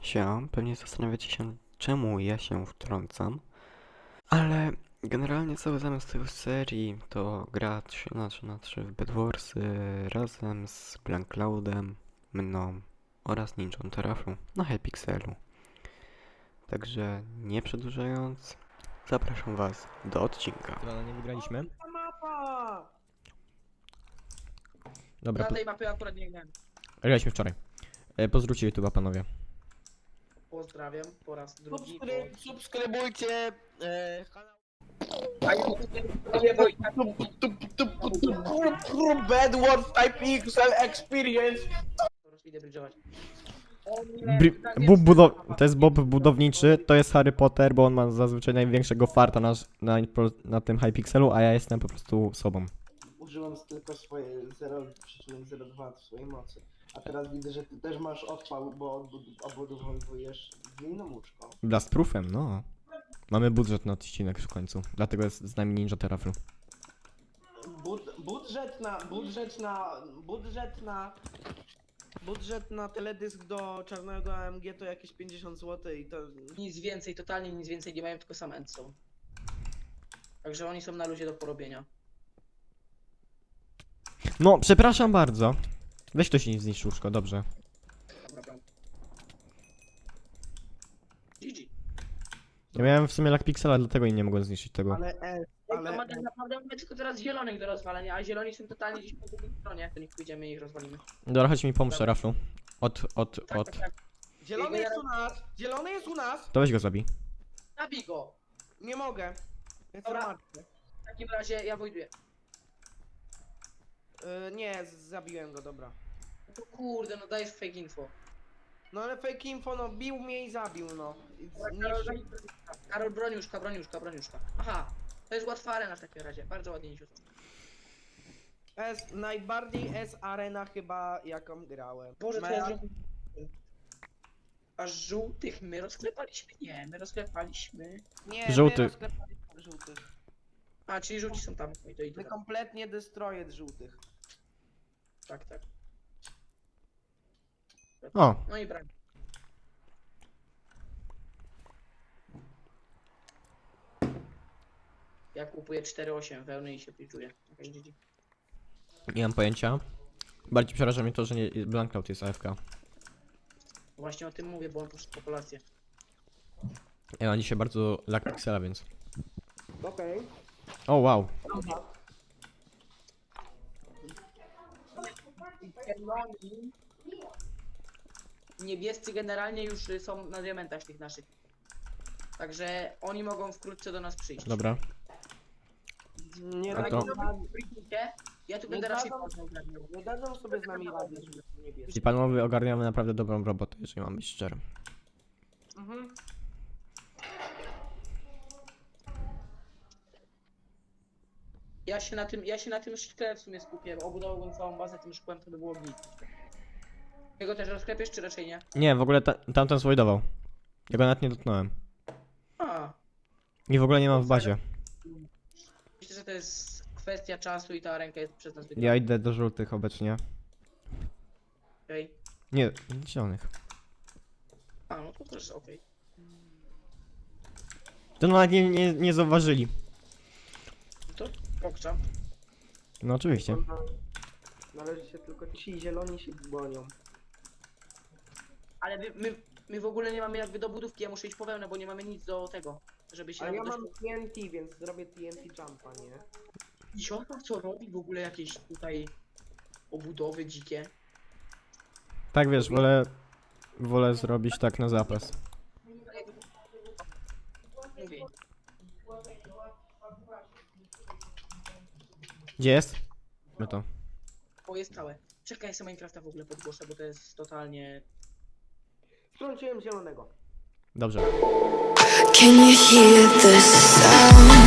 Pewnie zastanawiacie się, czemu ja się wtrącam, ale generalnie cały zamysł tej serii to gra 3 na 3 w Bedwarsy razem z Blankcloudem, mną oraz Ninją Terraflu na Hypixelu. Także nie przedłużając, zapraszam was do odcinka. Dobra, nie wygraliśmy. Mapa! Dobra, Na tej mapie akurat nie grałem. graliśmy wczoraj. Pozdrówcie YouTube'a, panowie. Pozdrawiam po raz drugi. Subskrybujcie kanał Bedwars Type XL Experience. Idę bridge'ować. To jest Bob budowniczy, to jest Harry Potter, bo on ma zazwyczaj największego farta na tym Hypixelu, a ja jestem po prostu sobą. Użyłem tylko swoje 0,02 w swojej mocy. A teraz widzę, że ty też masz odpał, bo obudowujesz glininą łóżką. Blastproofem, no. Mamy budżet na odcinek w końcu, dlatego jest z nami Ninja Terraflu. Budżet na teledysk do czarnego AMG to jakieś 50 zł i to... Nic więcej, totalnie nic więcej nie mają, tylko sam endstone. Także oni są na luzie do porobienia. No, przepraszam bardzo. Weź ktoś nie zniszczył łóżko, dobrze. Dobra. GG. Ja miałem w sumie lag pixela, dlatego i nie mogłem zniszczyć tego. Ale Ale tak naprawdę mamy tylko teraz zielonych do rozwalenia, a zieloni są totalnie gdzieś po drugiej stronie. To niech pójdziemy i ich rozwalimy. Dobra, chodź mi pomóż, Raflu. Tak. zielony jest u nas! Zielony jest u nas! To weź go zabij. Zabij go! Nie mogę. Dobra. W takim razie ja wojduję. Nie, zabiłem go, dobra. No kurde, no dajesz fake info. No ale fake info, no bił mnie i zabił, no. Karol, broniuszka. Aha, to jest łatwa arena w takim razie. Bardzo ładnie niesiutko. Najbardziej arena chyba jaką grałem. Boże, co ja zrobiłem? A żółtych my rozklepaliśmy? Nie, my rozklepaliśmy. Nie, Żółty. my rozklepaliśmy żółtych. A, czyli żółci są tam. No i to idę My tam. kompletnie destroyed żółtych. Tak. O, No i brak. Ja kupuję 4,8 wełny i się piczuję. Okay, GG. nie mam pojęcia. Bardziej przeraża mnie to, że nie, Blankcloud jest AFK. Właśnie o tym mówię, bo on poszedł populację. Ja mam dzisiaj bardzo lag pixela, więc... Okej. O, wow. Zieloni. Niebiescy generalnie już są na diamentach tych naszych. Także oni mogą wkrótce do nas przyjść. Dobra. Nie, A to- Ja tu Nie będę raczej dadzą- poznał ogarniał. nie dadzą sobie z nami rady, żeby to nie bierze. I panowie ogarniamy naprawdę dobrą robotę, jeżeli mam być szczery. Mhm. Ja się na tym szkle w sumie skupię. Obudowałbym całą bazę tym szkłem, to by było git. Jego też rozklepiesz, czy raczej nie? Nie, w ogóle tamten zwoidował. Ja go nawet nie dotknąłem. A, I w ogóle nie mam w bazie. myślę, że to jest kwestia czasu i ta ręka jest przez nas Ja wygrana. idę do żółtych obecnie. Okej. Nie, zielonych. A, no to też okej. To nawet nie zauważyli. To pokcza. No oczywiście. Należy się tylko ci zieloni się bronią. Ale my w ogóle nie mamy jakby do budówki, ja muszę iść po wełnę, bo nie mamy nic do tego, żeby się... A ja do- mam TNT, więc zrobię TNT jumpa, nie? I siostra co robi w ogóle jakieś tutaj obudowy dzikie? Tak wiesz, wolę zrobić tak na zapas. Mówię. Gdzie jest? My to. O, jest całe. Czekaj, ja sobie Minecrafta w ogóle podgłoszę, bo to jest totalnie... Wtrąciłem zielonego. Dobrze. Can you hear the sound?